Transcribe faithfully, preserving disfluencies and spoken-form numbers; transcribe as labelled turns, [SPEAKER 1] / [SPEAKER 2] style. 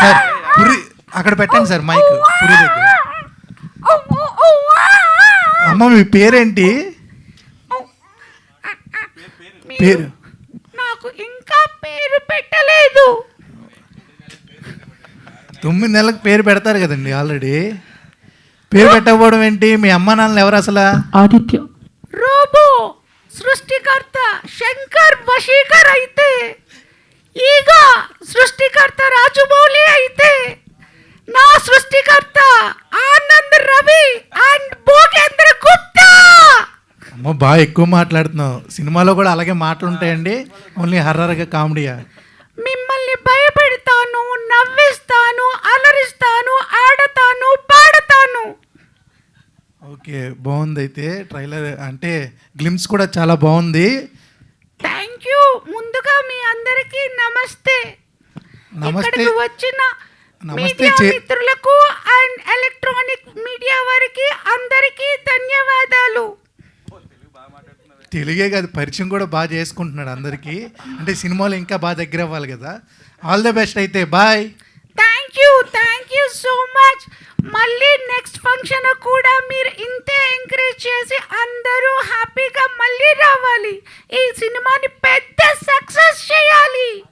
[SPEAKER 1] Sir పురి అక్కడ పెట్టండి sir mic పురి దగ్గర. అమ్మ మీ పేరేంటి? పేరు
[SPEAKER 2] నాకు ఇంకా పేరు పెట్టలేదు.
[SPEAKER 1] తొమ్మిది నెలలకు పేరు పెడతారు కదండి ఆల్రెడీ. పేరు పెట్టకపోవడం ఏంటి? మీ అమ్మ నాన్నలు ఎవరు అసలు?
[SPEAKER 2] ఆదిత్య. రోబో సృష్టికర్త శంకర్ వశీకర్ అయితే, ఈగ సృష్టికర్త రాజమౌళి అయితే, నా సృష్టికర్త ఆనంద్ రవి అండ్ భోగేంద్ర గుప్తా.
[SPEAKER 1] అమ్మ బాగా ఎక్కువ మాట్లాడుతున్నావు. సినిమాలో కూడా అలాగే మాటలు ఉంటాయండి? ఓన్లీ హర్రర్గా కామెడీయా?
[SPEAKER 2] మిమ్మల్ని భయపెడతాను, నవ్విస్తాను, అలరిస్తాను, ఆడతాను, పాడతాను.
[SPEAKER 1] ఓకే బాగుంది. అయితే ట్రైలర్ అంటే గ్లిమ్స్ కూడా చాలా బాగుంది.
[SPEAKER 2] Thank you. ముందుగా మీ అందరికీ నమస్తే.
[SPEAKER 1] నమస్తే.
[SPEAKER 2] ఇక్కడికి వచ్చిన
[SPEAKER 1] నమస్తే
[SPEAKER 2] మీడియా
[SPEAKER 1] చే-
[SPEAKER 2] మిత్రులకు అండ్ ఎలక్ట్రానిక్ మీడియా వారికి అందరికీ ధన్యవాదాలు.
[SPEAKER 1] తెలుగే కాదు పరిచయం కూడా బాగా చేసుకుంటున్నాడు అందరికీ. అంటే సినిమాలో ఇంకా బాగా దగ్గర అవ్వాలి కదా. ఆల్ ద బెస్ట్ అయితే. Bye.
[SPEAKER 2] Thank you thank you so much. మళ్ళీ నెక్స్ట్ ఫంక్షన్ కూడా మీరు ఇంతే ఎంకరేజ్ చేసి అందరూ హ్యాపీగా మళ్ళీ రావాలి. ఈ సినిమాని పెద్ద సక్సెస్ చేయాలి.